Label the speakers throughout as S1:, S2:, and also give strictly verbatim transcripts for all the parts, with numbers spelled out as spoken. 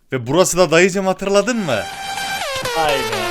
S1: Ve burası da dayıcım, hatırladın mı?
S2: Aynen.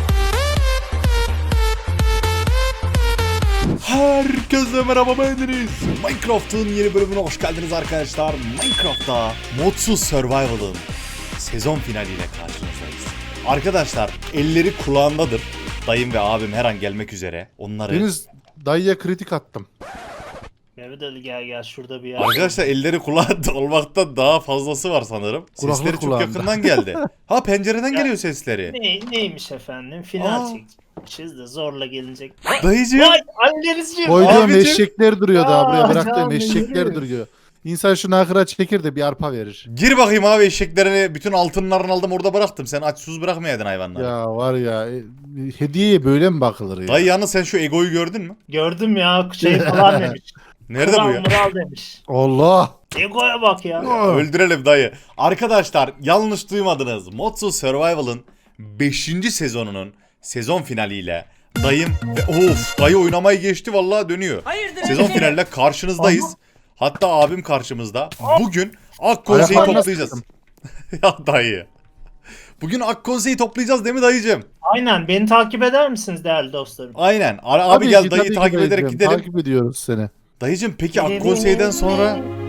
S1: Herkese merhaba, ben Deniz. Minecraft'ın yeni bölümüne hoş geldiniz arkadaşlar. Minecraft'ta Modsuz Survival'ın sezon finaliyle karşınızdayız. Arkadaşlar elleri kulağındadır. Dayım ve abim her an gelmek üzere. Onları...
S3: Deniz, dayıya kritik attım.
S2: Mehmet Ali gel gel şurada bir yer.
S1: Arkadaşlar elleri kulağında olmaktan daha fazlası var sanırım.
S3: Kulaklık
S1: Sesleri çok
S3: kulağında.
S1: yakından geldi. Ha, pencereden geliyor sesleri.
S2: Ne, neymiş efendim? Final
S1: Aa.
S2: çekeceğiz de zorla gelinecek.
S1: Dayıcığım.
S2: Vay Annerizciğim.
S3: Koyduğum
S1: Abicim.
S3: eşekler duruyor daha buraya
S2: Aa,
S3: bıraktığım
S2: canım
S3: eşekler
S2: benim.
S3: duruyor. İnsan şunu akıra çekir de bir arpa verir.
S1: Gir bakayım abi, eşeklerini bütün altınlarını aldım orada bıraktım. Sen aç sus bırakmayaydın hayvanları.
S3: Ya var ya e, hediyeye böyle mi bakılır ya?
S1: Dayı yalnız sen şu egoyu gördün mü?
S2: Gördüm ya şey falan demiş.
S1: Nerede bu
S2: Kral
S1: ya?
S2: Mural demiş.
S3: Allah.
S2: Egoya bak ya.
S1: Öldürelim dayı. Arkadaşlar yanlış duymadınız. Modsuz Survival'ın beşinci sezonunun sezon finaliyle dayım ve of dayı oynamayı geçti vallahi dönüyor.
S4: Hayırdır?
S1: Sezon finaliyle karşınızdayız. Hatta abim karşımızda. Bugün Akkonse'yi
S3: Ayaklarına
S1: toplayacağız.
S3: sıktım.
S1: Ya dayı. Bugün Akkonse'yi toplayacağız değil mi dayıcım?
S2: Aynen beni takip eder misiniz değerli dostlarım?
S1: Aynen. Abi, abi
S3: Tabii
S1: gel
S3: ki,
S1: dayıyı
S3: tabii ki
S1: takip ederek
S3: dayıcığım,
S1: gidelim.
S3: Takip ediyoruz seni.
S1: Dayıcım peki Akkonsey'den sonra...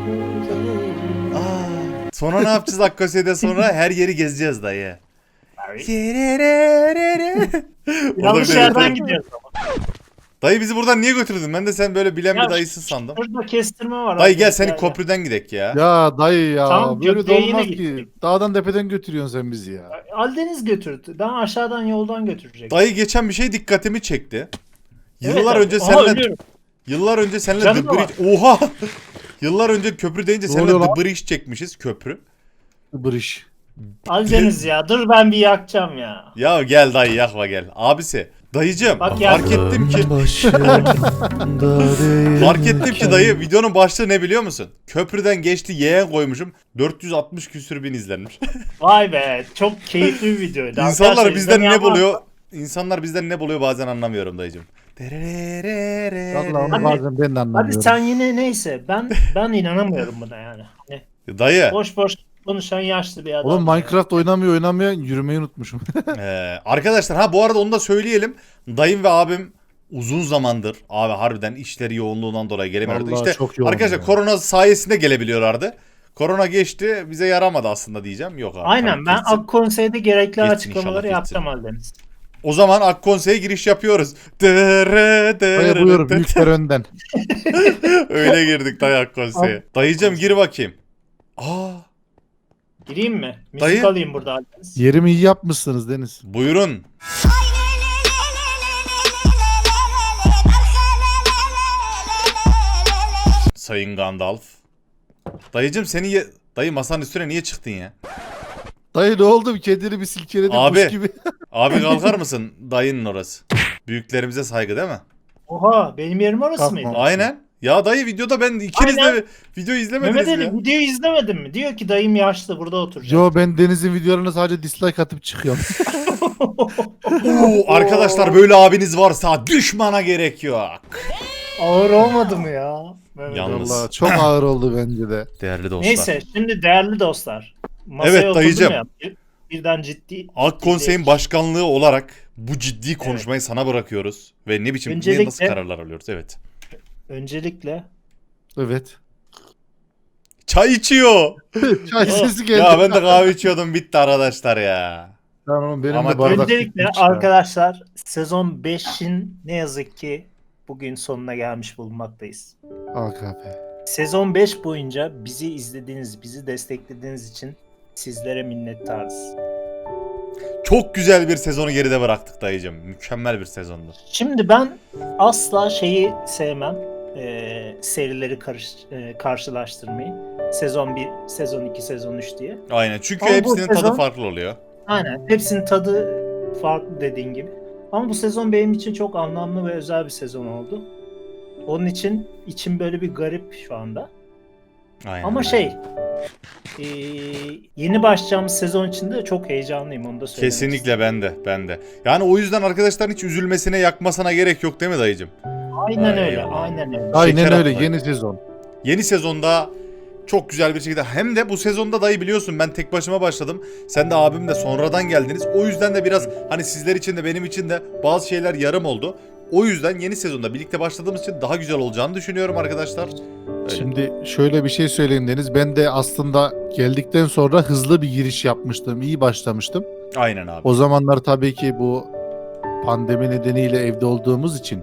S1: Aa, sonra ne yapacağız Akkonsey'den sonra? Her yeri gezeceğiz dayı.
S2: Yanlış
S1: Orada
S2: yerden
S1: bir-
S2: gidiyoruz ama.
S1: Dayı bizi buradan niye götürdün? Ben de sen böyle bilen
S2: Ya
S1: bir dayısın sandım.
S2: Şurada kestirme var.
S1: Dayı
S2: abi.
S1: gel seni
S2: Gel,
S1: köprüden gidek ya.
S3: Ya dayı ya
S2: Tamam,
S3: böyle de
S2: köprüye yine
S3: olmaz ki.
S2: gittik.
S3: Dağdan tepeden götürüyorsun sen bizi ya.
S2: gel. Aldeniz götürdü. Ben aşağıdan yoldan götürecek.
S1: Dayı geçen bir şey dikkatimi çekti.
S2: Evet
S1: Yıllar
S2: abi.
S1: önce
S2: Aha,
S1: seninle
S2: ölüyorum.
S1: yıllar önce seninle
S2: Canım
S1: The
S2: da var.
S1: Bridge... Oha! Yıllar önce köprü deyince
S3: Ne
S1: seninle
S3: oluyor
S1: The Bridge çekmişiz, köprü.
S3: Bırış.
S2: Aldeniz ya dur ben bir yakacağım ya.
S1: Ya gel dayı yakma gel. Abisi. Dayıcım
S2: Bak ya-
S1: fark ettim ki fark ettim ki dayı videonun başlığı ne biliyor musun? Köprüden geçti yeğen koymuşum. dört yüz altmış küsür bin izlenmiş.
S2: Vay be çok keyifli bir videoydu.
S1: İnsanlar
S2: Arkadaşlar,
S1: bizden ne
S2: izlemeyen
S1: buluyor? İnsanlar bizden ne buluyor bazen anlamıyorum dayıcım.
S3: Vallahi onu
S2: Hadi-
S3: bazen ben de
S2: Hadi
S3: anlamıyorum.
S2: sen yine neyse ben ben inanamıyorum buna yani. Hani
S1: Dayı.
S2: boş boş konuşan yaşlı bir adam.
S3: Oğlum Minecraft oynamıyor oynamıyor yürümeyi unutmuşum.
S1: Ee, arkadaşlar ha bu arada onu da söyleyelim. Dayım ve abim uzun zamandır abi harbiden işleri yoğunluğundan dolayı gelemiyordu.
S3: Vallahi
S1: İşte
S3: çok yoğun
S1: arkadaşlar
S3: ya.
S1: korona sayesinde gelebiliyorlardı. Korona geçti bize yaramadı aslında diyeceğim. Yok abi.
S2: Aynen
S1: tabii
S2: ben
S1: kesin.
S2: Akkonsey'de gerekli
S1: Kesin,
S2: açıklamaları
S1: inşallah
S2: yaptım Aldeniz.
S1: O zaman Akkonse'ye giriş yapıyoruz. Dere, dere,
S3: Dayı buyur
S1: dere.
S3: büyükler önden.
S1: Öyle girdik dayı Akkonse'ye. Dayıcım gir bakayım. Aa,
S2: Gireyim mi? Müzik
S1: Dayı-
S2: alayım burada Aldeniz.
S3: Yerimi iyi yapmışsınız Deniz.
S1: buyurun. Sayın Gandalf. Dayıcım seni ye... Dayı masanın üstüne niye çıktın ya?
S3: Dayı ne oldu? Kendini bir silkeledin
S1: Abi.
S3: kuş gibi.
S1: Abi kalkar mısın? Dayının orası. Büyüklerimize saygı değil mi?
S2: Oha benim yerim orası
S3: Kalkma.
S2: mıydı?
S1: Aynen. Ya dayı videoda ben ikiniz
S2: Aynen.
S1: de video izlemediniz
S2: Mehmet
S1: mi?
S2: Ali videoyu izlemedin mi? Diyor ki dayım yaşlı burada oturacak.
S3: Yo ben Deniz'in videolarına sadece dislike atıp çıkıyorum.
S1: Oo, arkadaşlar böyle abiniz varsa düşmana gerek yok.
S2: Ağır olmadı mı ya? Mehmet
S1: Yalnız.
S2: Ali?
S3: Vallahi çok ağır oldu bence de.
S1: Değerli dostlar.
S2: Neyse şimdi değerli dostlar. Masaya
S1: Evet,
S2: oturdum
S1: dayıcım.
S2: ya, bir- birden ciddi.
S1: Akkonsey'in
S2: ciddi-
S1: başkanlığı olarak bu ciddi konuşmayı sana bırakıyoruz. Ve ne biçim ne
S2: Öncelikle-
S1: nasıl kararlar alıyoruz? Evet.
S2: Öncelikle
S3: Evet.
S1: Çay içiyor.
S3: Çay sesi geldi.
S1: Ya ben de kahve içiyordum bitti arkadaşlar ya.
S3: Tamam benim
S1: Ama
S3: de bardak
S2: öncelikle
S3: bitmiş ya.
S2: arkadaşlar sezon beşin ne yazık ki bugün sonuna gelmiş bulunmaktayız.
S3: A K P.
S2: Sezon beş boyunca bizi izlediğiniz, bizi desteklediğiniz için sizlere minnettarız.
S1: Çok güzel bir sezonu geride bıraktık dayıcım. Mükemmel bir sezondu.
S2: Şimdi ben asla şeyi sevmem. e, serileri karış, e, karşılaştırmayı. Sezon bir, sezon iki, sezon üç diye.
S1: Aynen çünkü
S2: Ama bu
S1: hepsinin tadı
S2: sezon-
S1: farklı oluyor.
S2: Aynen. Hepsinin tadı farklı dediğin gibi. Ama bu sezon benim için çok anlamlı ve özel bir sezon oldu. Onun için içim böyle bir garip şu anda.
S1: Aynen.
S2: Ama şey e, yeni başlayacağımız sezon için de çok heyecanlıyım onu da söylemek
S1: Kesinlikle ben de ben de. Yani o yüzden arkadaşların hiç üzülmesine yakmasına gerek yok değil mi dayıcım?
S2: istedim. Aynen
S1: Ay,
S2: öyle,
S1: eyvallah.
S2: aynen öyle.
S3: Aynen
S1: Şeker
S3: öyle
S1: atmayın.
S3: yeni sezon.
S1: Yeni sezonda Çok güzel bir şekilde. Hem de bu sezonda dayı biliyorsun ben tek başıma başladım. Sen de abim de sonradan geldiniz. O yüzden de biraz hani sizler için de benim için de bazı şeyler yarım oldu. O yüzden yeni sezonda birlikte başladığımız için daha güzel olacağını düşünüyorum arkadaşlar. Öyle.
S3: Şimdi şöyle bir şey söyleyeyim Deniz. Ben de aslında geldikten sonra hızlı bir giriş yapmıştım. İyi başlamıştım.
S1: Aynen abi.
S3: O zamanlar tabii ki bu pandemi nedeniyle evde olduğumuz için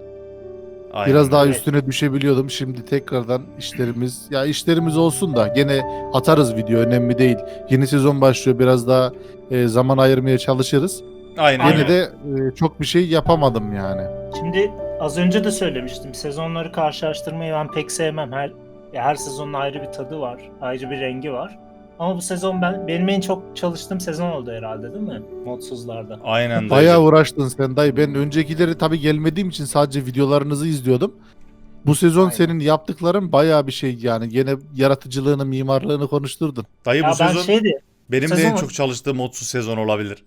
S1: Aynen.
S3: biraz daha
S2: Evet.
S3: üstüne düşebiliyordum. Şimdi tekrardan işlerimiz, ya işlerimiz olsun da gene atarız video, önemli değil. Yeni sezon başlıyor, biraz daha e, zaman ayırmaya çalışırız.
S1: Aynen.
S2: Aynen.
S3: Yine de e, çok bir şey yapamadım yani.
S2: Şimdi az önce de söylemiştim. Sezonları karşılaştırmayı ben pek sevmem. Her ya her sezonun ayrı bir tadı var. Ayrı bir rengi var. Ama bu sezon ben benim en çok çalıştığım sezon oldu herhalde, değil mi? Modsuzlarda.
S1: Aynen dayıcım.
S3: Bayağı uğraştın sen dayı. Ben öncekileri tabii gelmediğim için sadece videolarınızı izliyordum. Bu sezon
S2: Aynen.
S3: senin yaptıkların bayağı bir şey yani. Gene yaratıcılığını, mimarlığını konuşturdun.
S1: Dayı
S2: Ya
S1: bu
S2: ben
S1: sezon
S2: şeydi.
S1: benim de en
S2: sezon-
S1: çok çalıştığım modsuz sezon olabilir.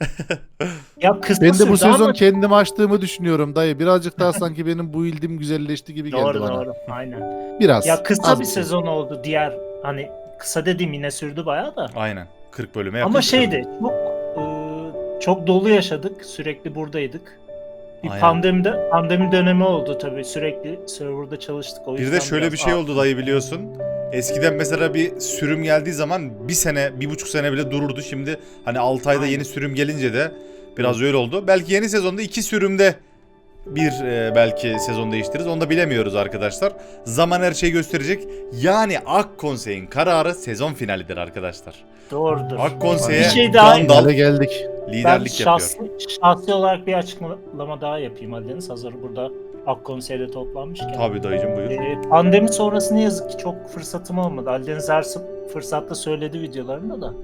S2: Ya kısa
S3: Ben de bu
S2: sürdü
S3: sezon
S2: ama-
S3: kendimi açtığımı düşünüyorum dayı. Birazcık daha sanki benim bu ildim güzelleşti gibi geldi
S2: Doğru
S3: bana.
S2: doğru. Aynen.
S3: Biraz.
S2: Ya kısa
S3: az
S2: bir
S3: şey.
S2: sezon oldu. Diğer hani kısa dediğim yine sürdü bayağı da.
S1: Aynen. kırk bölüme yakın.
S2: Ama şeydi çok e, çok dolu yaşadık. Sürekli buradaydık. Bir
S1: Aynen.
S2: pandemide pandemi dönemi oldu tabii. Sürekli serverda çalıştık. O
S1: Bir
S2: yüzden
S1: de şöyle
S2: biraz
S1: bir şey
S2: ağır-
S1: oldu dayı biliyorsun. Eskiden mesela bir sürüm geldiği zaman bir sene, bir buçuk sene bile dururdu. Şimdi hani altı ayda
S2: Aynen.
S1: yeni sürüm gelince de biraz öyle oldu. Belki yeni sezonda iki sürümde bir e, belki sezon değiştiririz. Onu da bilemiyoruz arkadaşlar. Zaman her şeyi gösterecek. Yani Ak Konsey'in kararı sezon finalidir arkadaşlar.
S2: Doğrudur.
S1: Ak Konsey'e
S2: Bir şey daha-
S1: Gandalf
S3: Hale geldik.
S2: Ben
S1: liderlik yapıyor.
S2: şahsi, şahsi olarak bir açıklama daha yapayım Ali Deniz. Hazır burada Ak Konsey'de toplanmışken.
S1: Tabii dayıcım buyur.
S2: Ee, pandemi sonrası ne yazık ki çok fırsatım olmadı. Ali Deniz her sı- fırsatta söyledi videolarında da.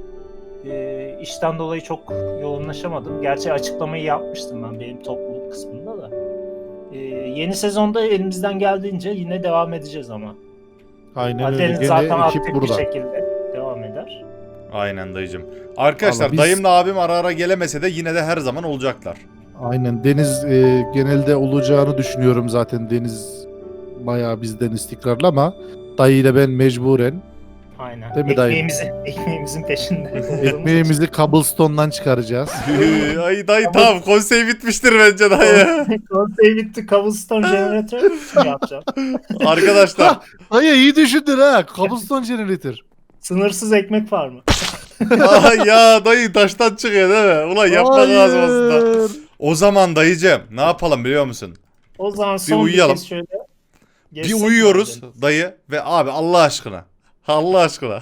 S2: Ee, işten dolayı çok yoğunlaşamadım. Gerçi açıklamayı yapmıştım ben benim topluluk kısmında da. Ee, yeni sezonda elimizden geldiğince yine devam edeceğiz ama.
S3: Aynen
S2: Ali
S3: öyle.
S2: Deniz
S3: Gene
S2: zaten
S3: ekip
S2: aktif bir
S3: burada.
S2: şekilde devam eder.
S1: Aynen dayıcım. Arkadaşlar
S3: Vallahi biz-
S1: dayımla abim ara ara gelemese de yine de her zaman olacaklar.
S3: Aynen. Deniz e, genelde olacağını düşünüyorum zaten. Deniz bayağı bizden istikrarlı ama dayıyla ben mecburen
S2: Aynen.
S3: Değil mi dayı?
S2: Ekmeğimizi, ekmeğimizin peşinde. olduğumuz için.
S3: ekmeğimizi cobblestone'dan çıkaracağız.
S1: Ay dayı tamam konsey bitmiştir bence dayı.
S2: Konsey bitti. Cobblestone jeneratör mü yapacağım?
S1: Arkadaşlar
S3: Dayı iyi düşündün ha. Cobblestone generator.
S2: Sınırsız ekmek var mı?
S1: Ay ya dayı taştan çıkıyor değil mi? Ulan yapmak lazım aslında.
S3: Hayır.
S1: O zaman dayıcım ne yapalım biliyor musun?
S2: O zaman son bir,
S1: uyuyalım.
S2: kez şöyle.
S1: Bir
S2: geçsek
S1: uyuyoruz
S2: madem.
S1: dayı ve abi Allah aşkına. Allah aşkına.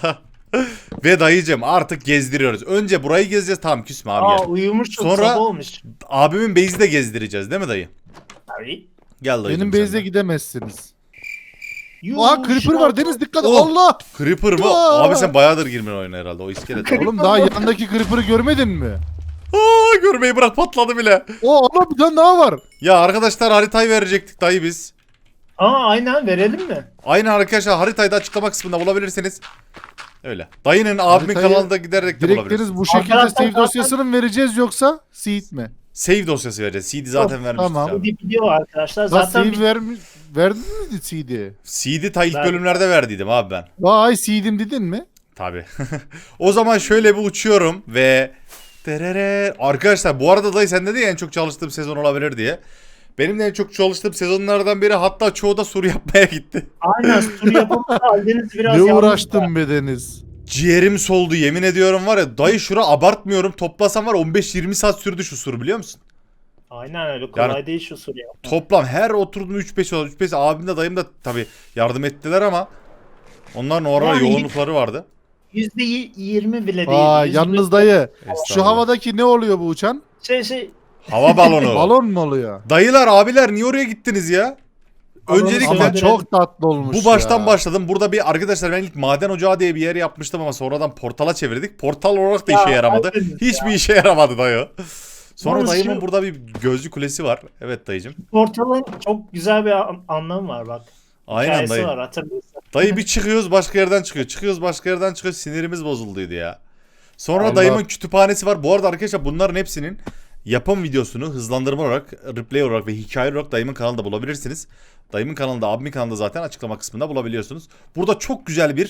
S1: Ve dayıcım artık gezdiriyoruz. Önce burayı gezeceğiz tamam küsme abi
S2: Aa
S1: gel.
S2: uyumuş çok
S1: Sonra-
S2: sabah olmuş.
S1: Abimin base'i de gezdireceğiz değil mi dayı?
S2: Tabii.
S1: Gel dayıcım
S3: Benim
S1: sen
S3: base'e
S1: de.
S3: gidemezsiniz.
S2: Yuh,
S3: Aa creeper
S2: şu
S3: var
S2: an-
S3: Deniz dikkat.
S1: Oh.
S3: Allah.
S1: Creeper mı?
S3: Aa!
S1: Abi sen bayağıdır girmiyorsun oyuna herhalde o iskelet.
S3: Oğlum daha yanındaki creeper'ı görmedin mi?
S1: Aa, görmeyi bırak patladı bile.
S3: O Allah bir tane daha var.
S1: Ya arkadaşlar haritayı verecektik dayı biz.
S2: Aa aynen verelim mi?
S1: Aynen arkadaşlar haritayı da açıklama kısmında bulabilirsiniz. Öyle. Dayının abimin
S3: Haritayı
S1: kanalında giderek de
S3: Direkt
S1: bulabilirsiniz.
S3: Deniz bu şekilde
S2: Arkadaşlar
S3: save
S2: zaten-
S3: dosyasını mı vereceğiz yoksa seed mi?
S1: Save dosyası vereceğiz. C D zaten
S3: Oh,
S1: vermiştik
S3: tamam.
S1: abi.
S2: Bir video var arkadaşlar.
S3: Lan
S2: Zaten
S3: save
S2: bir-
S3: vermi verdin mi C D?
S1: C D ta ilk
S2: Ben-
S1: bölümlerde verdiydim abi ben.
S3: Vay seed'im dedin mi?
S1: Tabi. O zaman şöyle bir uçuyorum ve... Terere. Arkadaşlar bu arada dayı sen dedin ya en çok çalıştığım sezon olabilir diye. Benim de en çok çalıştığım sezonlardan biri hatta çoğu da soru yapmaya gitti.
S2: aynen sur yapımında Aldeniz biraz
S3: Ne
S2: yalnız da.
S3: uğraştın be Deniz?
S1: Ciğerim soldu yemin ediyorum var ya dayı şura abartmıyorum toplasam var on beş yirmi saat sürdü şu sur biliyor musun?
S2: Aynen öyle kolay
S1: Yani-
S2: değil şu sur yapmak.
S1: Toplam her oturduğum üç beş oldu. üç beş abim de dayım da tabi yardım ettiler ama onların orada
S2: Yani-
S1: yoğunlukları vardı.
S2: yüzde yirmi bile değil.
S3: Aa
S2: Yüzde-
S3: yalnız dayı. Şu
S1: Estağfurullah.
S3: havadaki ne oluyor bu uçan?
S2: Şey şey.
S1: Hava balonu.
S3: Balon mu oluyor?
S1: Dayılar abiler niye oraya gittiniz ya?
S2: Balonu
S1: Öncelikle
S3: Ama
S2: söndürelim.
S3: çok tatlı olmuş
S1: bu baştan
S3: ya.
S1: başladım. Burada bir arkadaşlar ben ilk maden ocağı diye bir yer yapmıştım ama sonradan portala çevirdik. Portal olarak da
S2: Ya,
S1: işe yaramadı.
S2: Aldeniz
S1: Hiçbir işe yaramadı dayı. Sonra
S2: Yalnız
S1: dayımın
S2: şu-
S1: burada bir gözlü kulesi var. Evet dayıcım.
S2: Portal'ın çok güzel bir an- anlamı var bak.
S1: Aynen
S2: Hikayesi
S1: dayı.
S2: var hatırlıyorsan.
S1: Dayı bir çıkıyoruz başka yerden çıkıyor. Çıkıyoruz başka yerden çıkıyor. Sinirimiz bozulduydu ya. Sonra
S3: Allah.
S1: dayımın kütüphanesi var. Bu arada arkadaşlar bunların hepsinin yapım videosunu hızlandırma olarak, replay olarak ve hikaye olarak dayımın kanalında bulabilirsiniz. Dayımın kanalında, abimin kanalında zaten açıklama kısmında bulabiliyorsunuz. Burada çok güzel bir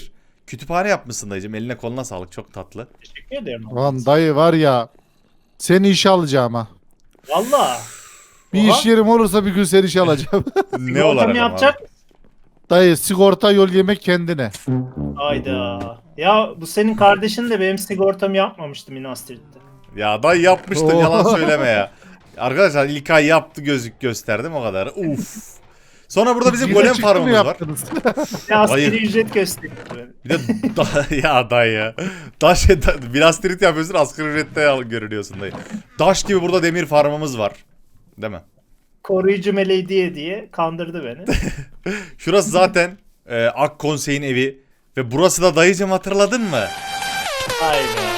S1: Kütüphane yapmışsın dayıcım. Eline koluna sağlık. Çok tatlı.
S2: Teşekkür ederim.
S3: Lan dayı var ya, seni işe alacağım ha.
S2: Valla.
S3: Bir
S2: Oha.
S3: iş yerim olursa bir gün seni işe alacağım.
S1: Ne olarak
S2: Sigortamı
S1: ama?
S2: yapacak mısın?
S3: Dayı sigorta yol yemek kendine.
S2: Hayda. Ya bu senin kardeşin de benim sigortamı yapmamıştı Minas Tirith'te.
S1: Ya dayı yapmıştın,
S3: Oo.
S1: yalan söyleme ya. Arkadaşlar ilk ay yaptı, gözük gösterdim o kadar. Uf. Sonra burada bizim
S3: Yine
S1: golem
S3: çıktı mı
S1: farmımız var.
S3: yaptınız?
S2: Ya asgari
S1: Hayır.
S2: ücret gösterdi böyle.
S1: Bir de da, ya dayı. Daş da, biraz trit yapıyorsun, asgari ücrette al- görünüyorsun dayı. Daş gibi burada demir farmımız var. Değil mi?
S2: Koruyucu meleği diye diye kandırdı beni.
S1: Şurası zaten e, Ak Konsey'in evi. Ve burası da dayıcım, hatırladın mı?
S2: Hayda.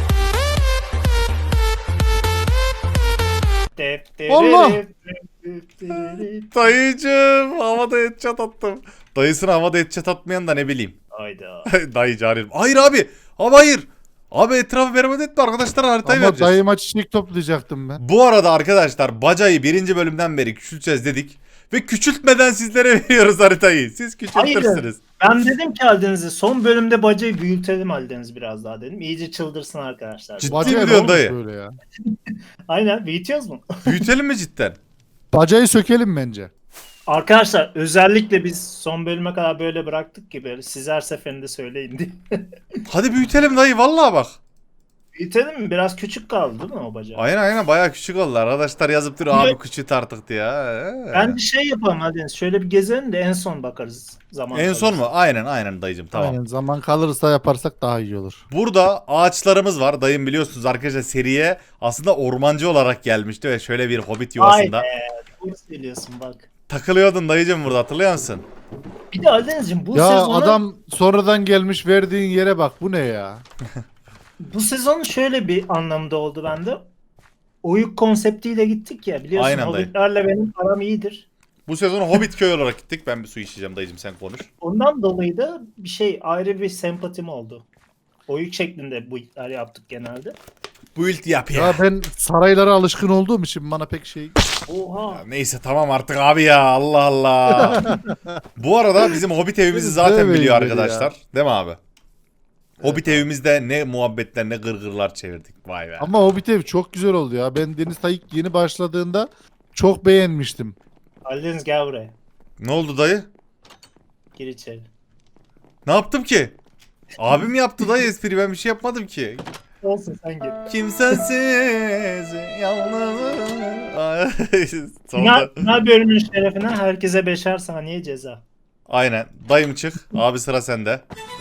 S3: Allah!
S1: Dayıcım havada headshot attım. Dayısına havada headshot atmayan da ne bileyim.
S2: Hayda.
S1: Dayı carim. Hayır abi. Abi hayır. Abi etrafı berbat etme, arkadaşlar haritayı
S3: Ama
S1: vereceğiz.
S3: dayıma çiçek toplayacaktım ben.
S1: Bu arada arkadaşlar bacayı birinci bölümden beri küçülteceğiz dedik. Ve küçültmeden sizlere veriyoruz haritayı. Siz küçültürsünüz.
S2: Ben dedim ki Aldeniz'e son bölümde bacayı büyütelim Aldeniz biraz daha dedim. İyice çıldırsın arkadaşlar.
S1: Ciddi
S3: Bacaya
S1: mi
S3: ne
S1: diyorsun
S3: olmuş
S1: dayı?
S3: böyle ya?
S2: Aynen büyütüyoruz mu?
S1: Büyütelim mi cidden?
S3: Bacayı sökelim bence.
S2: Arkadaşlar özellikle biz son bölüme kadar böyle bıraktık ki böyle siz her seferinde söyleyin diye.
S1: Hadi büyütelim dayı, vallahi bak.
S2: Büyütelim mi? Biraz küçük kaldı değil mi o bacağı?
S1: Aynen aynen bayağı küçük oldu. Arkadaşlar yazıp duruyor abi küçült artık diye. Ee.
S2: Bence şey yapalım Aldeniz. Şöyle bir gezelim de en son bakarız zaman.
S1: En son
S2: kalırsa.
S1: mu? Aynen aynen dayıcım, tamam.
S3: Aynen, zaman kalırsa yaparsak daha iyi olur.
S1: Burada ağaçlarımız var. Dayım biliyorsunuz arkadaşlar seriye aslında ormancı olarak gelmişti ve şöyle bir hobbit yuvasında.
S2: Vay be. Doğru söylüyorsun bak.
S1: Takılıyordun dayıcım burada, hatırlıyor musun?
S2: Bir de Aldeniz'cim bu
S3: Ya
S2: sezonu
S3: adam sonradan gelmiş, verdiğin yere bak, bu ne ya?
S2: bu sezon şöyle bir anlamda oldu bende. Oyuk konseptiyle gittik ya biliyorsun
S1: Aynen dayı.
S2: hobbitlerle benim aram iyidir.
S1: Bu sezon Hobbit köy olarak gittik. Ben bir su içeceğim dayıcım, sen konuş.
S2: Ondan dolayı da bir şey ayrı bir sempatim oldu. Oyuk şeklinde bu işler yaptık genelde.
S1: Bu ilti yap ya.
S3: Ya ben saraylara alışkın olduğum için bana pek şey...
S2: Oha.
S1: Ya neyse tamam artık abi ya, Allah Allah. Bu arada bizim Hobbit evimizi zaten
S3: Demeyin
S1: biliyor
S3: dedi
S1: arkadaşlar.
S3: ya.
S1: Değil mi abi? Hobbit evimizde ne muhabbetler ne gırgırlar çevirdik. Vay be.
S3: Ama Hobbit ev çok güzel oldu ya. Ben Deniz Tayyip yeni başladığında çok beğenmiştim.
S2: Aldeniz gel buraya.
S1: Ne oldu dayı?
S2: Gir içeri.
S1: Ne yaptım ki? Abim yaptı dayı espri, ben bir şey yapmadım ki.
S2: Olsun sen gir.
S1: Kimsesiz yalnız. Sonunda.
S2: Final, final bölümün şerefine herkese beşer saniye ceza.
S1: Aynen. Dayım çık. Abi sıra sende.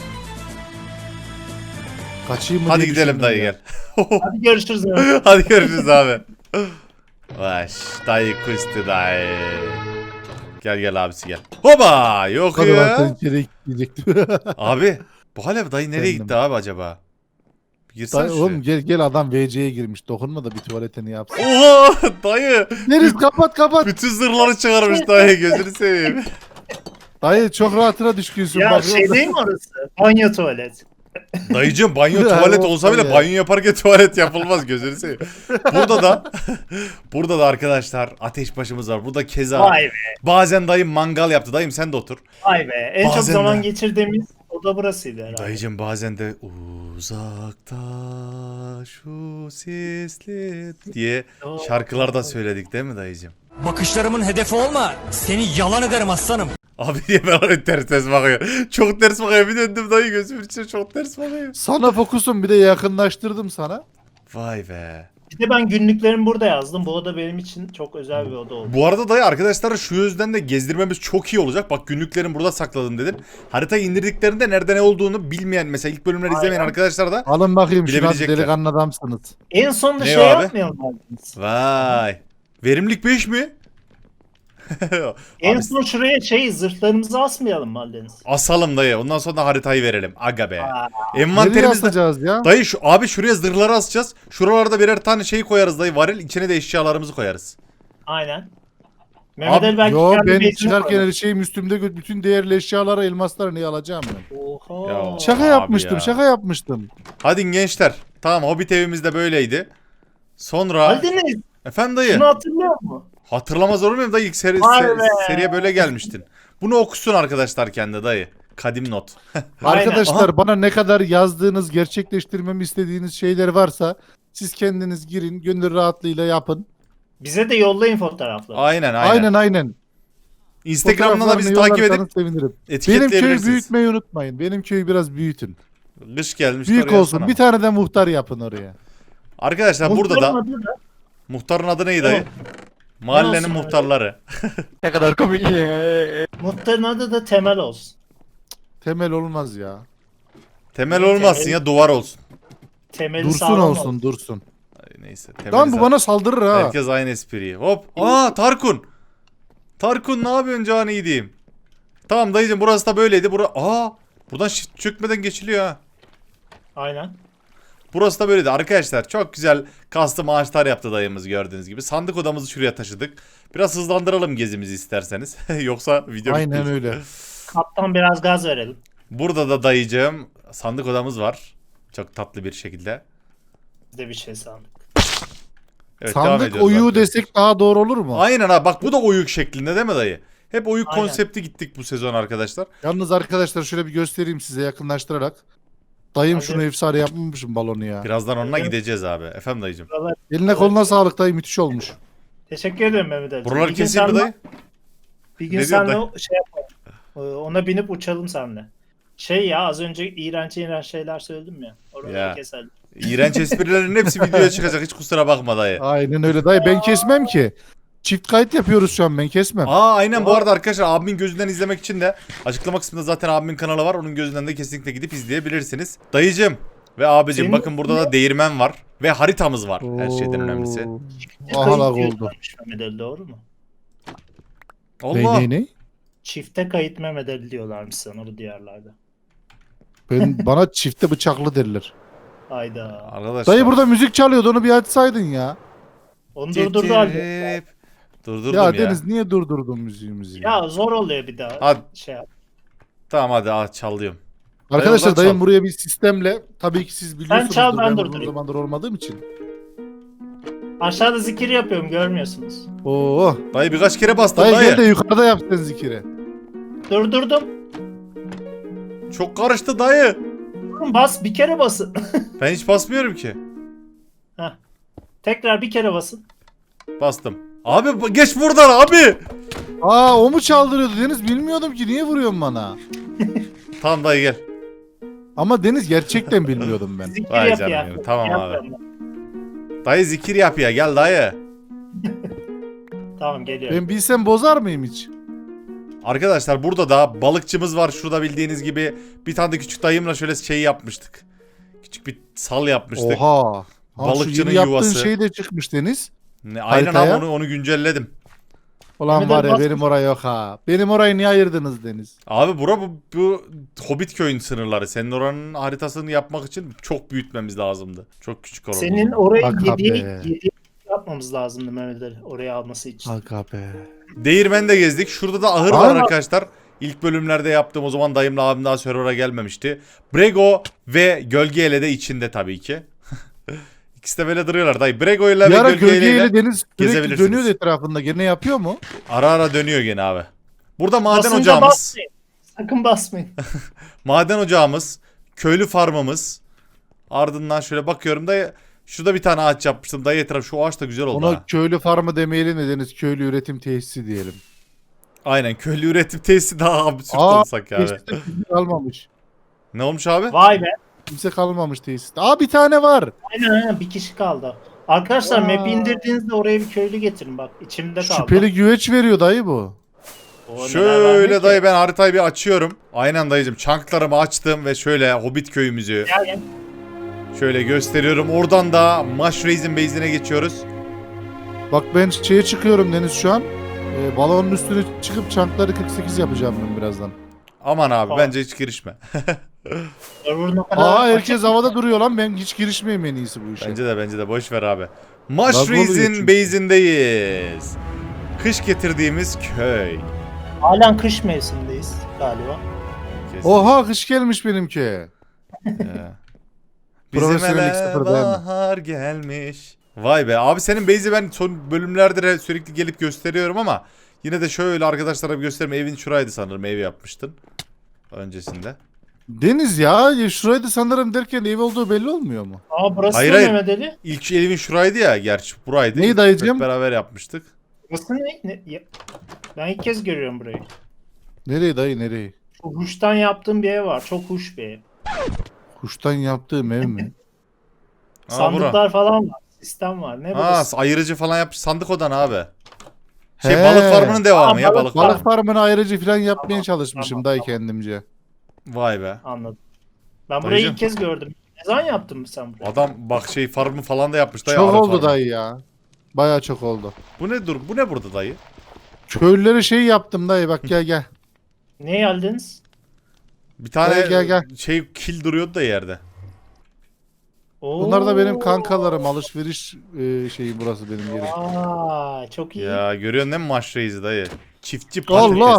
S3: Kaçayım mı
S1: Hadi
S3: diye
S1: gidelim
S3: düşündüm
S1: dayı
S3: ya.
S1: gel.
S2: Hadi görüşürüz. abi.
S1: Hadi görüşürüz abi. Vay dayı kustu dayı. Gel gel abisi gel. Hoba yok
S3: Hadi ben seni
S1: ya.
S3: içeri gidecektim.
S1: Abi bu hala dayı nereye
S3: Efendim?
S1: gitti abi acaba? Bir girsene
S3: Dayı,
S1: şuraya.
S3: oğlum gel gel, adam V C'ye girmiş. Dokunma da bir tuvaletini yapsın.
S1: Oha dayı.
S3: Deniz kapat kapat.
S1: Bütün zırhları çıkarmış dayı, gözünü seveyim.
S3: Dayı çok rahatına düşkünsün.
S2: Ya
S3: bak.
S2: şey değil mi orası? Banyo tuvalet.
S1: Dayıcım banyo
S3: Ya,
S1: tuvalet
S3: o-
S1: olsa bile
S3: ya.
S1: banyo yaparken tuvalet yapılmaz, gözünü seveyim. Burada da burada da arkadaşlar ateş başımız var. Burada keza
S2: Vay be.
S1: bazen dayım mangal yaptı. Dayım sen de otur.
S2: Vay be. En çok
S1: Bazen
S2: zaman
S1: de.
S2: geçirdiğimiz oda burasıydı herhalde.
S1: Dayıcım bazen de uzakta şu sesli diye şarkılar da söyledik değil mi dayıcım?
S4: Bakışlarımın hedefi olma. Seni yalan ederim aslanım.
S1: Abi niye ben öyle ters ters bakıyor? Çok ters bakıyor, bir döndüm dayı gözümün içine çok ters bakıyor.
S3: Sana fokusum, bir de yakınlaştırdım sana.
S1: Vay be.
S2: Bir de ben günlüklerimi burada yazdım. Bu oda benim için çok özel bir oda oldu.
S1: Bu arada dayı arkadaşlar şu yüzden de gezdirmemiz çok iyi olacak. Bak günlüklerini burada sakladım dedin. Haritayı indirdiklerinde nerede ne olduğunu bilmeyen, mesela ilk bölümleri
S2: Aynen.
S1: izlemeyen arkadaşlar da
S3: Alın bakayım şuna,
S1: Bilebilecekler.
S3: delikanlı adamsınız.
S2: En sonunda
S1: Ne
S2: şey
S1: o abi?
S2: yapmayalım Aldeniz.
S1: vay. Verimlilik beş mi?
S2: En
S1: Abi,
S2: son şuraya şey zırhlarımızı asmayalım mı Aldeniz?
S1: asalım dayı. Ondan sonra da haritayı verelim. Aga be.
S2: Aa,
S3: Nereye
S1: Envanterimizde
S3: asacağız ya?
S1: dayı şu abi şuraya zırhları asacağız. Şuralarda birer tane şey koyarız dayı, varil, içine de eşyalarımızı koyarız.
S2: aynen. Mehmet
S1: Abi,
S2: Ali belki
S3: Yo,
S2: kendi
S3: ben
S2: base'ini
S3: çıkarken
S2: koyar.
S3: her şeyim üstümde, gö- bütün değerli eşyaları, elmasları niye alacağım ben?
S2: Oha.
S1: Ya.
S3: Şaka
S1: Abi
S3: yapmıştım,
S1: ya.
S3: şaka yapmıştım.
S1: Hadi gençler. Tamam Hobbit evimiz de böyleydi. Sonra
S2: Aldeniz
S1: efendim dayı.
S2: şunu hatırlıyor musun?
S1: Hatırlamaz olur muyum dayı, ilk seri,
S2: Vay
S1: se-
S2: be.
S1: seriye böyle gelmiştin. Bunu okusun arkadaşlar kendi dayı. Kadim not.
S3: Arkadaşlar
S1: Aha.
S3: bana ne kadar yazdığınız, gerçekleştirmemi istediğiniz şeyler varsa siz kendiniz girin, gönül rahatlığıyla yapın.
S2: Bize de yollayın fotoğrafları.
S1: Aynen aynen.
S3: Aynen aynen.
S1: Instagram'dan da bizi
S3: Fotoğraflarını
S1: takip edip
S3: yollarsanız sevinirim. Benim
S1: etiketleyebilirsiniz.
S3: köyü büyütmeyi unutmayın. Benim köyü biraz büyütün.
S1: Kış gelmiş.
S3: Büyük
S1: oraya
S3: olsun.
S1: sana.
S3: Bir tane de muhtar yapın oraya.
S1: Arkadaşlar burada da
S2: Muhtarın adı da-
S1: muhtarın adı neydi dayı?
S2: Evet.
S1: Mahallenin
S2: olsun
S1: muhtarları.
S4: Ne kadar komik.
S2: Muhtarın adı da Temel olsun.
S3: Temel olmaz ya.
S1: Temel
S2: Temel-
S1: olmasın ya, duvar olsun.
S2: Temeli
S3: Dursun
S2: sağlam
S3: olsun, dursun.
S1: Ay, neyse. Temeli
S3: Lan bu
S1: zaten-
S3: bana saldırır ha.
S1: Herkes aynı espriyi. Hop. Aa Tarkun. Tarkun ne yapıyorsun canı iyi diyeyim. Tamam dayıcım, burası da böyleydi. Bura Aa buradan shift çökmeden geçiliyor ha.
S2: Aynen.
S1: Burası da böyleydi arkadaşlar. Çok güzel custom ağaçlar yaptı dayımız, gördüğünüz gibi. Sandık odamızı şuraya taşıdık. Biraz hızlandıralım gezimizi isterseniz. Yoksa video
S3: Aynen
S1: bitmeyecek.
S3: öyle.
S2: Kaptan biraz gaz verelim.
S1: Burada da dayıcım sandık odamız var. Çok tatlı bir şekilde.
S2: Biz de bir şey sandık.
S1: Evet, devam
S3: Sandık
S1: ediyoruz
S3: oyu
S1: arkadaşlar.
S3: desek daha doğru olur mu?
S1: Aynen ha, bak bu da oyuk şeklinde değil mi dayı? Hep oyuk
S2: Aynen.
S1: konsepti gittik bu sezon arkadaşlar.
S3: Yalnız arkadaşlar şöyle bir göstereyim size yakınlaştırarak. Dayım
S2: Hadi.
S3: şunu efsane yapmamışım balonu ya.
S1: Birazdan onunla
S2: Evet.
S1: gideceğiz abi. Efendim dayıcım.
S2: Buralar...
S3: Eline koluna sağlık dayı, müthiş olmuş.
S2: Teşekkür ederim Mehmet Ali.
S1: Buraları
S2: Bir gün
S1: keseyim mi
S2: senle-
S1: dayı?
S2: Bir gün
S1: Ne diyorsun
S2: senle şey yapalım. Ee, Ona binip uçalım seninle. Şey ya, az önce iğrenç iğrenç şeyler söyledim ya. Oraları
S1: Ya.
S2: keselim.
S1: İğrenç esprilerin hepsi videoya çıkacak. Hiç kusura bakma dayı.
S3: Aynen öyle dayı, ben kesmem ki. Çift kayıt yapıyoruz şu an, ben kesmem.
S1: Aa aynen, bu arada arkadaşlar abimin gözünden izlemek için de açıklama kısmında zaten abimin kanalı var. Onun gözünden de kesinlikle gidip izleyebilirsiniz. Dayıcım ve abicim
S2: Senin-
S1: bakın burada da değirmen var. Ve haritamız var, her şeyden
S3: Oo.
S1: önemlisi.
S3: Ahalak
S2: Kayıt
S3: oldu.
S2: diyorlarmış Mehmet Ali, doğru mu?
S3: Ney
S1: Allah.
S3: ney ney?
S2: Çifte kayıt Mehmet Ali diyorlarmış sana bu diyarlarda.
S3: Ben, bana çifte bıçaklı derler.
S2: Hayda.
S1: Arkadaşlar.
S3: Dayı burada müzik çalıyordu, onu bir açsaydın ya.
S2: Onu durdurdu abi.
S1: Getirip- Durdurdum
S3: Ya,
S1: ya.
S3: Deniz niye durdurdun müziğimizi? Ya?
S2: Ya zor oluyor bir daha.
S1: Hadi
S2: Şey yap.
S1: tamam hadi al, çalıyorum.
S3: Arkadaşlar
S1: oradan
S3: dayım
S1: çal.
S3: buraya bir sistemle, tabii ki siz biliyorsunuz.
S2: çal, ben
S3: uzun
S2: durdurayım.
S3: zamandır olmadığım için.
S2: Aşağıda zikir yapıyorum, görmüyorsunuz.
S3: Oo.
S1: Dayı birkaç kere bastım
S3: Dayı,
S1: dayı.
S3: gel de yukarıda yap sen zikiri.
S2: Durdurdum.
S1: Çok karıştı dayı.
S2: Durun, bas, bir kere basın.
S1: Ben hiç basmıyorum ki.
S2: Heh. Tekrar bir kere basın.
S1: Bastım. Abi bu- geç buradan abi.
S3: Aa, o mu çaldırıyordu Deniz, bilmiyordum ki, niye vuruyorsun bana?
S1: Tamam dayı gel.
S3: Ama Deniz gerçekten bilmiyordum ben.
S2: Zikir
S1: Vay
S2: yap
S1: canım
S2: ya.
S1: benim, tamam
S2: Yap
S1: abi.
S2: ben.
S1: Dayı zikir yap ya, gel dayı.
S2: Tamam, geliyorum.
S3: Ben bilsem bozar mıyım hiç?
S1: Arkadaşlar burada da balıkçımız var. Şurada bildiğiniz gibi bir tane de küçük dayımla şöyle şey yapmıştık. Küçük bir sal yapmıştık.
S3: Oha. Ha,
S1: Balıkçının
S3: şu yeni yaptığın
S1: yuvası.
S3: şey de çıkmış Deniz.
S1: Ne, aynen abi,
S3: Haritaya.
S1: onu onu güncelledim.
S3: Ulan
S2: Mehmet
S3: var ya,
S2: Ali
S3: benim orayı yok ha. Benim orayı niye ayırdınız Deniz?
S1: Abi bura bu, bu Hobbit köyün sınırları. Senin oranın haritasını yapmak için çok büyütmemiz lazımdı. Çok küçük oranı.
S2: Senin orayı
S3: Aga
S2: yediye,
S3: be.
S2: yediye yapmamız lazımdı Mehmet Ali, oraya alması için.
S3: Aga be.
S1: Değirmen de gezdik. Şurada da ahır var
S3: Aa.
S1: arkadaşlar. İlk bölümlerde yaptığım, o zaman dayımla abim daha server'a gelmemişti. Brego ve Gölgeyle de içinde tabii ki. İkisi de böyle duruyorlar dayı. Brego ile
S3: Bir
S1: ve
S3: ara
S1: Gölgeyle
S3: gölgeyle Deniz sürekli
S1: gezebilirsiniz.
S3: dönüyor etrafında. Gene yapıyor mu?
S1: ara ara dönüyor gene abi. Burada maden
S2: Basınca
S1: ocağımız,
S2: basmayın. Sakın basmayın.
S1: maden ocağımız, köylü farmımız. Ardından şöyle bakıyorum da şurada bir tane ağaç yapmıştım. Dayı etraf, şu ağaç da güzel oldu
S3: Ona
S1: ha.
S3: köylü farmı demeyelim de Deniz, köylü üretim tesisi diyelim.
S1: Aynen, köylü üretim tesisi daha absürt
S3: Aa,
S1: olsak abi.
S3: Tesiste kimse kalmamış.
S1: Ne olmuş abi?
S2: Vay be.
S3: Kimse kalmamış tesiste. Aa, bir tane var.
S2: Aynen aynen, bir kişi kaldı. Arkadaşlar
S3: Aa.
S2: map'i indirdiğinizde oraya bir köylü getirin, bak içimde kaldı.
S3: Şüpheli güveç veriyor dayı bu.
S2: O neler
S1: Şöyle
S2: vermiyor
S1: dayı,
S2: ki?
S1: ben haritayı bir açıyorum. Aynen dayıcım, çanklarımı açtım ve şöyle Hobbit köyümüzü
S2: Gel gel.
S1: şöyle gösteriyorum. Oradan da Mushrais'in base'ine geçiyoruz.
S3: Bak ben şeye çıkıyorum Deniz şu an. Ee, balonun üstüne çıkıp çankları kırk sekiz yapacağım ben birazdan.
S1: Aman abi
S2: Aa.
S1: bence hiç girişme.
S2: Server'ın o kadar
S3: Aa, herkes
S2: açık-
S3: havada duruyor lan, ben hiç girişmeyeyim en iyisi bu işe.
S1: Bence de bence de boş ver abi.
S3: oluyor
S1: Mushrais'in
S3: çünkü.
S1: base'indeyiz. Kış getirdiğimiz köy.
S2: Halen kış mevsimindeyiz galiba.
S1: Kesin.
S3: Oha, kış gelmiş benimki.
S1: Ya.
S3: Profesyonellik
S1: Bizim ele
S3: sıfır değil mi?
S1: bahar gelmiş. Vay be abi, senin base'i ben son bölümlerde de sürekli gelip gösteriyorum ama yine de şöyle arkadaşlara bir göstereyim. Evin şuraydı sanırım, ev yapmıştın. öncesinde.
S3: Deniz ya, ya şurayı da sanırım derken ev olduğu belli olmuyor mu?
S2: Aa burası
S1: Hayır,
S2: ne
S1: hayır.
S2: Mehmet Ali?
S1: İlk evin şuraydı ya, gerçi buraydı.
S3: Neyi
S1: İlk
S3: dayıcım?
S1: hep beraber yapmıştık.
S2: Burası ne? ne? Ya- Ben ilk kez görüyorum burayı.
S3: Nereye dayı, nereye?
S2: Şu huştan yaptığım bir ev var. Çok huş bir ev.
S3: Kuştan yaptığım ev mi?
S1: Ha,
S2: Sandıklar
S1: bura.
S2: falan var. Sistem var. Ne
S1: Ha,
S2: burası?
S1: ayırıcı falan yapmış, sandık odan abi. Şey
S3: He.
S1: balık farmının devamı
S2: Aa,
S1: ya,
S2: balık
S1: balık
S3: Balık
S1: farmı.
S3: farmını ayrıcı falan yapmaya
S2: Tamam,
S3: çalışmışım
S2: tamam,
S3: dayı
S2: tamam.
S3: kendimce.
S1: Vay be.
S2: Anladım. Ben burayı
S1: Dayıcım.
S2: ilk kez gördüm. Ne zaman yaptın mı sen burayı?
S1: Adam bak şey farmı falan da yapmış dayı.
S3: Çok
S1: arı
S3: oldu
S1: farmı.
S3: dayı ya. Baya çok oldu.
S1: Bu ne dur? Bu ne burada dayı?
S3: Köylülere şey yaptım dayı, bak gel gel.
S2: Ne geldiniz?
S1: Bir tane
S3: Dayı gel, gel.
S1: şey kil duruyordu da yerde.
S2: Oo.
S3: Bunlar da benim kankalarım, alışveriş e, şeyi burası benim yerim.
S2: Aa, çok iyi.
S1: Ya görüyorsun değil mi maç reisi dayı? Çiftçi patates.
S3: Allah!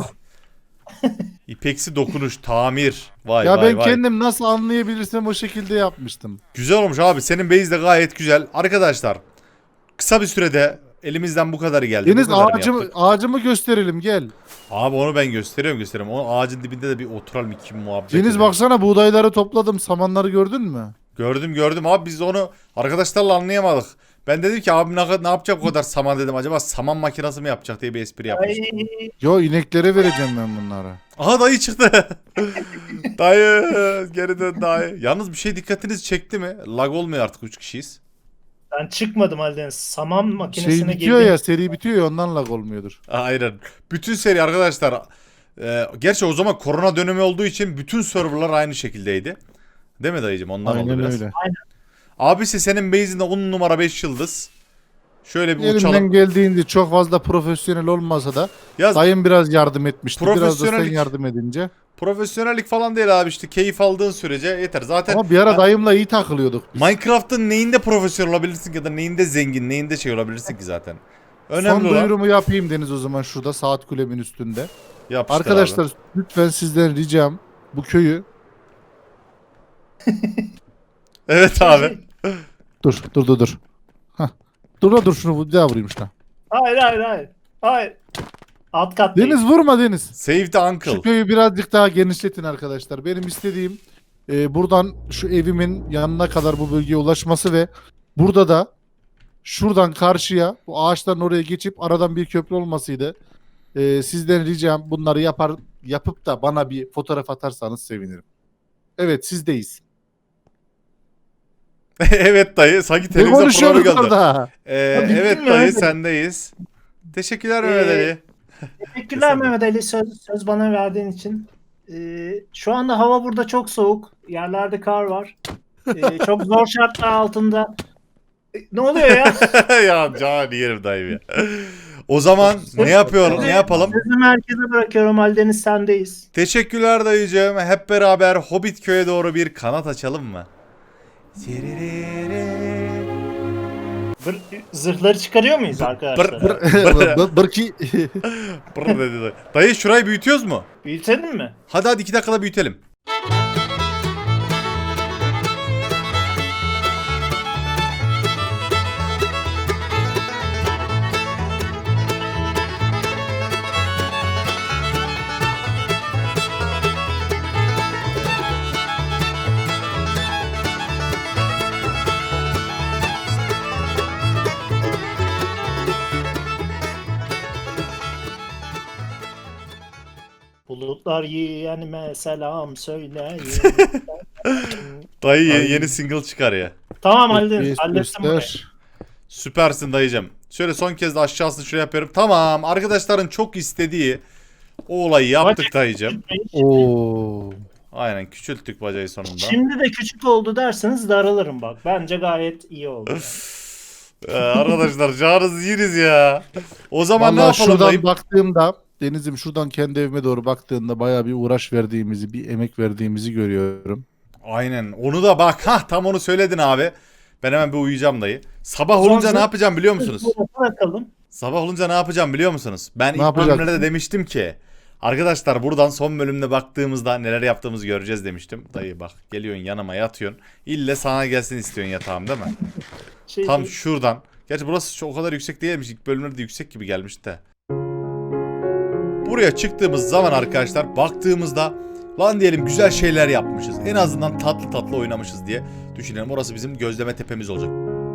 S1: İpeksi dokunuş, tamir. Vay
S3: Ya
S1: vay
S3: ben
S1: vay.
S3: kendim nasıl anlayabilirsem o şekilde yapmıştım.
S1: Güzel olmuş abi. Senin base de gayet güzel. Arkadaşlar kısa bir sürede elimizden bu kadarı geldi.
S3: Deniz
S1: Bu kadarını
S3: ağacımı,
S1: yaptık.
S3: ağacımı gösterelim gel.
S1: Abi onu ben gösteriyorum gösteriyorum. O ağacın dibinde de bir oturalım, iki muhabbet
S3: Deniz
S1: edelim.
S3: baksana, buğdayları topladım, samanları gördün mü?
S1: Gördüm gördüm abi, biz onu arkadaşlarla anlayamadık. Ben dedim ki abi ne, ne yapacak o kadar saman dedim. Acaba saman makinesi mi yapacak diye bir espri yapmıştım.
S2: Ay,
S3: Yo, ineklere vereceğim ben bunları.
S1: Aha dayı çıktı. Dayı geri dön dayı. Yalnız bir şey dikkatinizi çekti mi? Lag olmuyor artık, üç kişiyiz.
S2: ben çıkmadım halden. Saman makinesine
S3: Şey bitiyor
S2: girdim.
S3: ya, seri bitiyor ya, ondan lag olmuyordur.
S1: Aynen. Bütün seri arkadaşlar. E, gerçi o zaman korona dönemi olduğu için bütün serverlar aynı şekildeydi. Değil mi dayıcım? Ondan oldu
S3: Aynen
S1: biraz.
S3: öyle.
S1: Abisi senin base'inde on numara beş yıldız. Şöyle bir uçalım.
S3: Elimden geldiğince çok fazla profesyonel olmasa da
S1: Yaz,
S3: dayım biraz yardım etmişti. Biraz da sen
S1: Profesyonellik.
S3: yardım edince.
S1: profesyonellik falan değil abi, işte keyif aldığın sürece yeter. Zaten
S3: Ama bir ara dayımla iyi takılıyorduk biz.
S1: Minecraft'ın neyinde profesyonel olabilirsin ya da neyinde zengin, neyinde şey olabilirsin ki zaten. Önemli
S3: Son
S1: olan
S3: duyurumu yapayım Deniz o zaman, şurada saat kulemin üstünde.
S1: yapıştır
S3: Arkadaşlar
S1: abi.
S3: lütfen sizden ricam, bu köyü...
S1: Evet abi.
S3: Dur dur dur dur. Hah. Dur la dur, şunu bir daha vurayım şuna.
S2: Hayır hayır hayır. Hayır. Alt kattayım.
S3: Deniz vurma Deniz.
S1: Save the uncle.
S3: Şu köyü birazcık daha genişletin arkadaşlar. Benim istediğim e, buradan şu evimin yanına kadar bu bölgeye ulaşması ve burada da şuradan karşıya bu ağaçların oraya geçip aradan bir köprü olmasıydı. E, sizden ricam, bunları yapar yapıp da bana bir fotoğraf atarsanız sevinirim. Evet, sizdeyiz.
S1: Evet dayı, sanki
S3: Ne
S1: televizyon programı
S3: konuşuyoruz
S1: geldi.
S3: orada?
S1: Ee,
S2: Bitti
S1: evet
S2: mi
S1: dayı,
S2: öyle?
S1: sendeyiz. Teşekkürler
S2: Ee,
S1: Mehmet Ali.
S2: Teşekkürler
S1: Kesinlikle.
S2: Mehmet Ali, söz, söz bana verdiğin için. Ee, şu anda hava burada çok soğuk. Yerlerde kar var. Ee, çok zor şartlar altında. Ee, ne oluyor ya?
S1: Ya can yerim dayı ya. O zaman ne yapıyor, ne yapalım?
S2: Sözü merkeze bırakıyorum. Aldeniz sendeyiz.
S1: Teşekkürler dayıcığım. Hep beraber Hobbit köy'e doğru bir kanat açalım mı?
S2: Bır- zırhları çıkarıyor muyuz arkadaşlar?
S1: bır-
S3: Bır- Bırki.
S1: Brr dedi dayı. Dayı şurayı büyütüyoruz mu?
S2: Büyütelim mi?
S1: Hadi hadi iki dakikada büyütelim.
S2: Bulutlar yeğenime selam söyleyin.
S1: Dayı ye-
S3: Ay.
S1: yeni single çıkar ya.
S2: Tamam Aldeniz.
S3: Göster,
S2: Hallettim burayı.
S3: göster.
S1: Süpersin dayıcım. Şöyle son kez de aşağısını şuraya yapıyorum. Tamam, arkadaşların çok istediği o olayı yaptık dayıcım.
S3: Oo.
S1: Aynen, küçülttük bacayı sonunda.
S2: Şimdi de küçük oldu derseniz daralırım bak. Bence gayet iyi oldu.
S1: Ee, arkadaşlar canınızı yeriz ya. O zaman ne
S3: Vallahi
S1: yapalım
S3: şuradan
S1: dayı?
S3: baktığımda, Deniz'im şuradan kendi evime doğru baktığımda bayağı bir uğraş verdiğimizi, bir emek verdiğimizi görüyorum.
S1: Aynen. Onu da bak. Hah, tam onu söyledin abi. Ben hemen bir uyuyacağım dayı. Sabah
S2: Son
S1: olunca ne
S2: zırh-
S1: yapacağım biliyor musunuz?
S2: Bırakalım.
S1: Sabah olunca ne yapacağım biliyor musunuz? Ben
S3: Ne
S1: ilk
S3: yapacaksın?
S1: bölümlerde de demiştim ki arkadaşlar buradan son bölümde baktığımızda neler yaptığımızı göreceğiz demiştim. Dayı bak, geliyorsun yanıma yatıyorsun. İlle sana gelsin istiyorsun yatağım değil mi?
S2: Şey,
S1: Tam şuradan. Gerçi burası çok o kadar yüksek değilmiş. İlk bölümlerde yüksek gibi gelmişti de. Buraya çıktığımız zaman arkadaşlar baktığımızda Lan diyelim güzel şeyler yapmışız. En azından tatlı tatlı oynamışız diye düşünelim. Orası bizim gözleme tepemiz olacak.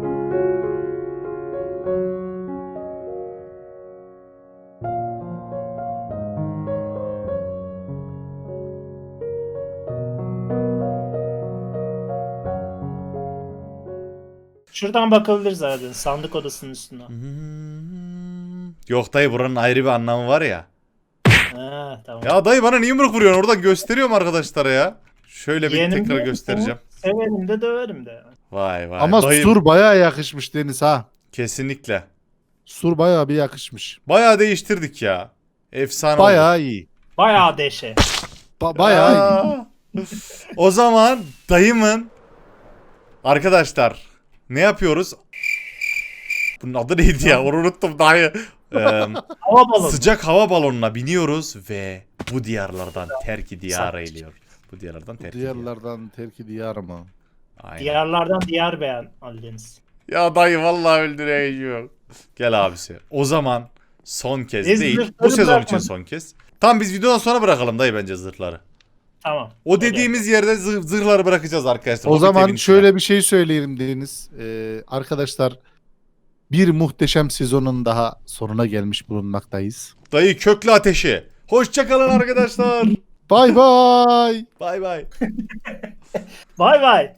S2: Şuradan bakabiliriz Aldeniz. Sandık odasının üstüne.
S1: Hmm. Yok dayı, buranın ayrı bir anlamı var ya.
S2: Ha, tamam.
S1: Ya dayı bana niye yumruk vuruyorsun? Oradan gösteriyorum arkadaşlara ya. Şöyle bir
S2: Yeğenim
S1: tekrar
S2: de-
S1: göstereceğim.
S2: Severim de döverim de.
S1: Vay vay.
S3: Ama
S1: dayı,
S3: sur bayağı yakışmış Deniz ha.
S1: kesinlikle.
S3: Sur bayağı bir yakışmış.
S1: Bayağı değiştirdik ya. Efsane oldu.
S3: Bayağı iyi.
S2: Bayağı deşe.
S3: Ba- bayağı iyi.
S1: Aa. O zaman dayımın arkadaşlar ne yapıyoruz? Bunun adı neydi ya? Onu unuttum dayı. Ee,
S2: Hava balonu.
S1: sıcak hava balonuna biniyoruz ve bu diyarlardan terki diyara eğiliyor. Bu diyarlardan terki diyara.
S3: Diyarlardan terki diyar mı?
S1: Aynen.
S2: Diyarlardan diyar beğen Aldeniz.
S1: Ya dayı vallahi öldüreceğim. Gel abisi. O zaman son kez
S2: Biz
S1: değil.
S2: zırhları
S1: Bu sezon için
S2: bırakmadık.
S1: son kez. Tam biz videodan sonra bırakalım dayı bence zırhları.
S2: Tamam.
S1: O dediğimiz yerde zırh, zırhları bırakacağız arkadaşlar.
S3: O
S1: Hobbit
S3: zaman
S1: evin içine.
S3: şöyle bir şey söyleyelim Deniz. Ee, arkadaşlar bir muhteşem sezonun daha sonuna gelmiş bulunmaktayız.
S1: Dayı köklü ateşi. Hoşça kalın arkadaşlar.
S3: Bay bay.
S1: Bay bay.
S2: Bay bay.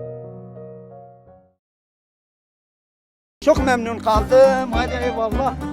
S5: Çok memnun kaldım. Hadi eyvallah.